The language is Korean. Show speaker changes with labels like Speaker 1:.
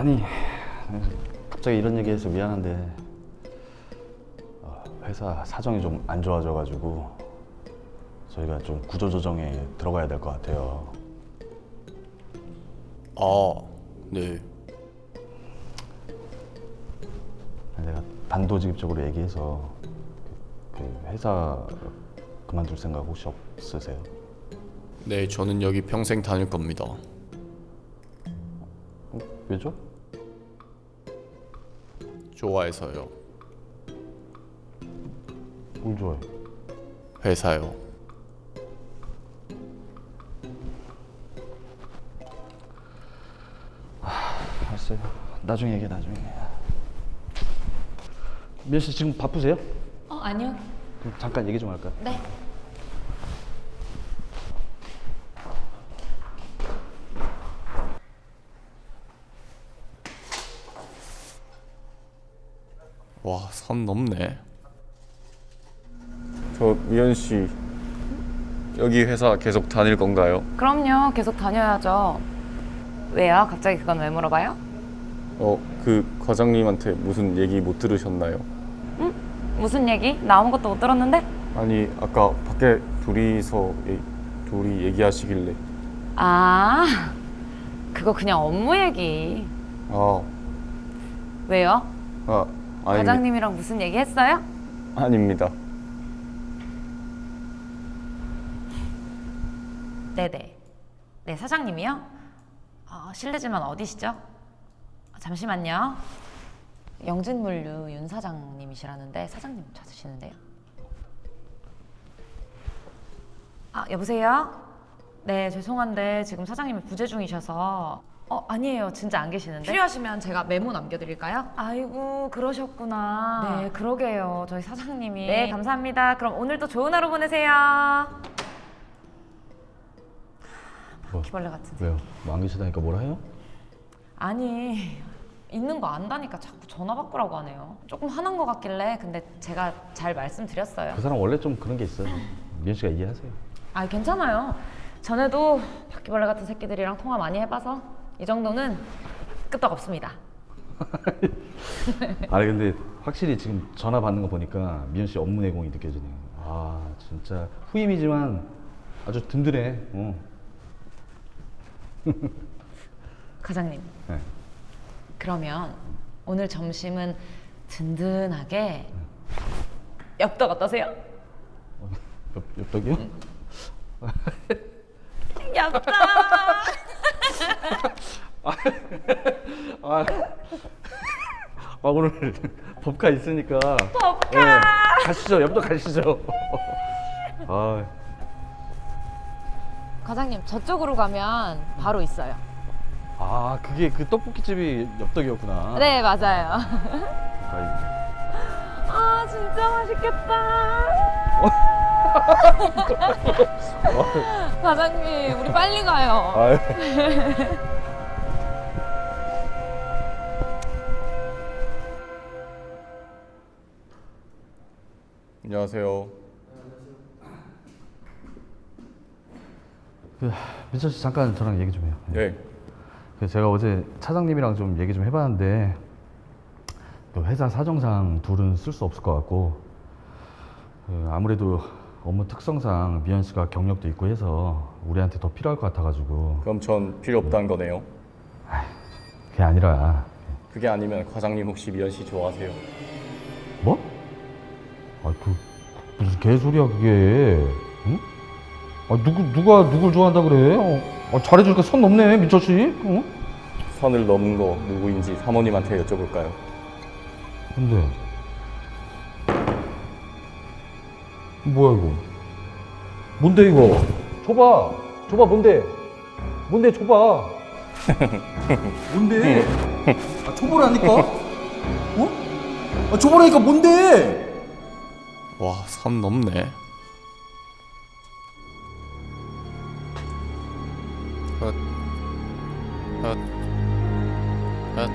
Speaker 1: 아니, 갑자기 이런 얘기해서 미안한데 회사 사정이 좀 안 좋아져가지고 저희가 좀 구조조정에 들어가야 될 것 같아요.
Speaker 2: 아, 네.
Speaker 1: 내가 단도직입적으로 얘기해서 그 회사 그만둘 생각 혹시 없으세요?
Speaker 2: 네, 저는 여기 평생 다닐 겁니다.
Speaker 1: 왜죠?
Speaker 2: 좋아해서요.
Speaker 1: 뭘 좋아해?
Speaker 2: 회사요.
Speaker 1: 알았어요. 나중에 얘기해, 나중에. 미연 씨 지금 바쁘세요?
Speaker 3: 아니요.
Speaker 1: 그럼 잠깐 얘기 좀 할까요?
Speaker 3: 네.
Speaker 2: 와, 선 넘네.
Speaker 4: 저 미연 씨 여기 회사 계속 다닐 건가요?
Speaker 3: 그럼요. 계속 다녀야죠. 왜요? 갑자기 그건 왜 물어봐요?
Speaker 4: 그 과장님한테 무슨 얘기 못 들으셨나요?
Speaker 3: 무슨 얘기? 나 아무것도 못 들었는데?
Speaker 4: 아니 아까 밖에 둘이 얘기하시길래
Speaker 3: 아, 그거 그냥 업무 얘기.
Speaker 4: 아,
Speaker 3: 왜요?
Speaker 4: 아니
Speaker 3: 과장님이랑 무슨 얘기 했어요?
Speaker 4: 아닙니다.
Speaker 3: 네네. 네, 사장님이요? 실례지만 어디시죠? 잠시만요. 영진물류 윤 사장님이시라는데 사장님 찾으시는데요. 여보세요? 네, 죄송한데 지금 사장님이 부재 중이셔서 아니에요. 진짜 안 계시는데. 필요하시면 제가 메모 남겨드릴까요? 아이고, 그러셨구나. 네, 그러게요. 저희 사장님이. 네, 감사합니다. 그럼 오늘도 좋은 하루 보내세요. 바퀴벌레 같은데.
Speaker 1: 왜요? 뭐 안 계시다니까 뭐라 해요?
Speaker 3: 아니, 있는 거 안다니까 자꾸 전화 바꾸라고 하네요. 조금 화난 것 같길래 근데 제가 잘 말씀드렸어요.
Speaker 1: 그 사람 원래 좀 그런 게 있어요. 미연 씨가 이해하세요.
Speaker 3: 괜찮아요. 전에도 바퀴벌레 같은 새끼들이랑 통화 많이 해봐서 이 정도는 끄떡없습니다.
Speaker 1: 아니 근데 확실히 지금 전화 받는 거 보니까 미연 씨 업무 내공이 느껴지네요. 아 진짜 후임이지만 아주 든든해.
Speaker 3: 과장님,
Speaker 1: 네.
Speaker 3: 그러면 오늘 점심은 든든하게 엽떡 어떠세요?
Speaker 1: 엽떡이요?
Speaker 3: 엽떡!
Speaker 1: 오늘 법카 있으니까
Speaker 3: 법카!
Speaker 1: 네, 가시죠. 엽떡 가시죠.
Speaker 3: 과장님, 저쪽으로 가면 바로 있어요.
Speaker 1: 그게 그 떡볶이집이 엽떡이었구나.
Speaker 3: 네, 맞아요.
Speaker 1: 아이고.
Speaker 3: 진짜 맛있겠다. 과장님, 우리 빨리 가요.
Speaker 1: 아유.
Speaker 4: 안녕하세요.
Speaker 1: 민철 씨 잠깐 저랑 얘기 좀 해요.
Speaker 4: 네.
Speaker 1: 제가 어제 차장님이랑 좀 얘기 좀 해봤는데 회사 사정상 둘은 쓸 수 없을 것 같고 아무래도 업무 특성상 미연 씨가 경력도 있고 해서 우리한테 더 필요할 것 같아가지고.
Speaker 4: 그럼 전 필요 없다는 거네요.
Speaker 1: 그게 아니라.
Speaker 4: 그게 아니면 과장님 혹시 미연 씨 좋아하세요?
Speaker 1: 뭐? 무슨 개소리야 그게? 응? 누가 누굴 좋아한다 그래? 잘해주니까 선 넘네 민철 씨. 응?
Speaker 4: 선을 넘은 거 누구인지 사모님한테 여쭤볼까요?
Speaker 1: 근데 뭐야 이거? 뭔데 이거? 줘봐 뭔데? 뭔데 줘봐.
Speaker 5: 뭔데? 줘보라니까? 줘보라니까 뭔데?
Speaker 2: 와, 선 넘네. 헛. 헛. 헛.